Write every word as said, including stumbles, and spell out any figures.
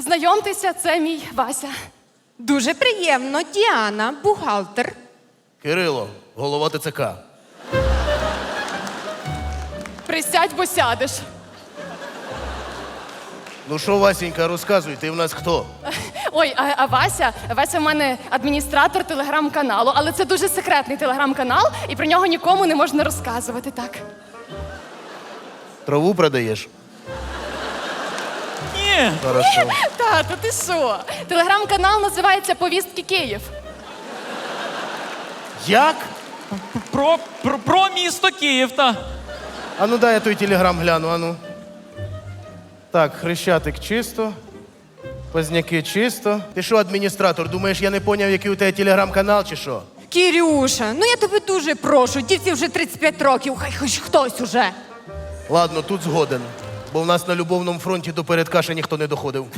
Знайомтеся, це мій Вася. Дуже приємно, Діана, бухгалтер. Кирило, голова ТЦК. Присядь, бо сядеш. Ну що, Васенька, розказуй, ти в нас хто? Ой, а, а Вася, Вася в мене адміністратор телеграм-каналу, але це дуже секретний телеграм-канал, і про нього нікому не можна розказувати, так. Траву продаєш? Ні. Хорошо. Тато, ти що? Телеграм-канал називається «Повістки Київ». Як? Про, про, про місто Київ, та. А ну дай я той телеграм гляну, а ну. Так, Хрещатик чисто, Позняки чисто. Ти що, адміністратор, думаєш, я не поняв, який у тебе телеграм-канал чи що? Кірюша, ну я тебе дуже прошу, дівці вже тридцять п'ять років, хай хоч хтось уже. Ладно, тут згоден. Бо в нас на любовному фронті до передкаша ніхто не доходив.